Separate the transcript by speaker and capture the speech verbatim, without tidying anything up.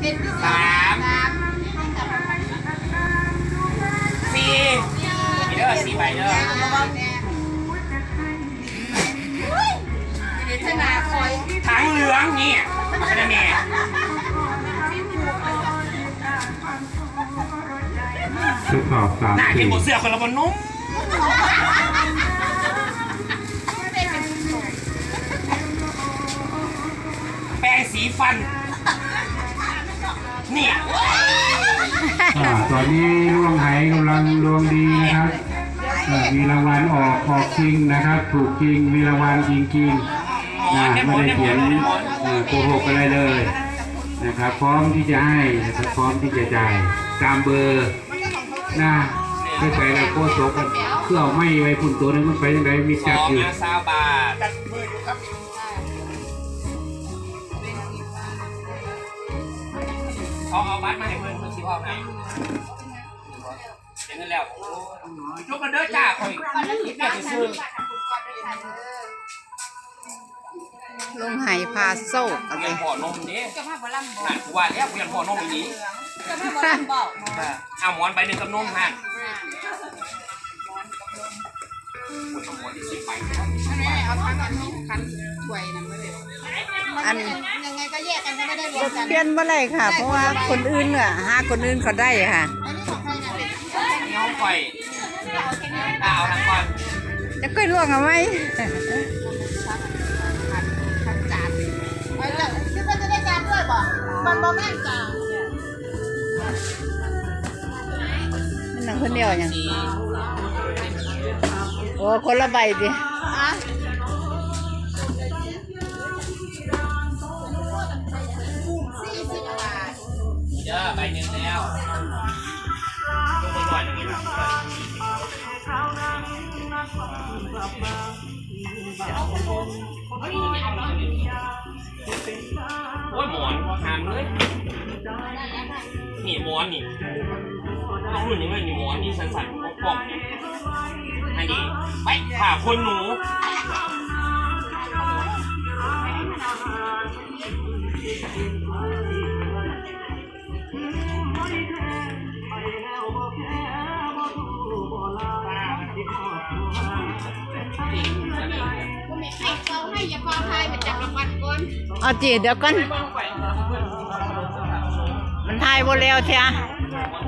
Speaker 1: สามสี่มีเด้อสี่ใบเด้อถังเหลืองนี่มาคะแนนแม่
Speaker 2: ทดสอบสาม
Speaker 1: หน้า
Speaker 2: สี่
Speaker 1: เก็บหมดเสื้อคนละบนนุ่มแปรงสีฟันเนี่ย
Speaker 2: ตอนนี้ล่วงไหกำลังดวงดีนะครับมีรางวัลออกออกจริงนะครับถูกจริงมีรางวัลจริงจริงไม่ได้เขียนโกหกอะไรเลยนะครับพร้อมที่จะให้นะครับพร้อมที่จะจ่ายตามเบอร์หน้าไปไปแล้วก็โซกันเครื่องไม่ไว้พุ่นตัวนึงมันไปยังไงมีจับอยู่
Speaker 1: สามบาทเขาเอาบัตรมาให้เพื่อนเพื่อนชิวเอาไหนเดี๋ยวนั้นแล้วยกกันเด้อจ้าคอยอยากจะซื้อ
Speaker 3: ลงไหพาโซ่
Speaker 1: เรียนพ่อนมนี้หันว่าแล้วเรียนพ่อนมนี้เอาหมอนใบหนึ่งกับนมหันหมอนที่สิบใบ
Speaker 3: เอาทั้งอันนี้คันถ้วยนั่นไม่ได้อันยังไงก็แยกกันไม่ได้รวมกันเปลี่ยนเมื่อไรค่ะเพราะว่าคนอื่นอ่ะหาคนอื่นเขาได้ค่ะ
Speaker 1: น้องไฟเอาทั้งก่อน
Speaker 3: จะก้อยล่วงเอาไหมคิดว่าจะได้จานด้วยบ่มันบ่แม่นจานมันหนังคนเดียวยังโอ้คนละใบดิ
Speaker 1: เยอะใบหนึ่งแล้วทุกคนหน่อยหนึ่งนะโอ้ยหมอนหามเลยนี่หมอนนี่ต้องรุ่นยังไงนี่หมอนนี่สั่นๆกล่องๆนี่อันนี้ไปผ่าคนหนู
Speaker 3: เอาจีเดี๋ยวก่อนมันทายหมดแล้วเชีย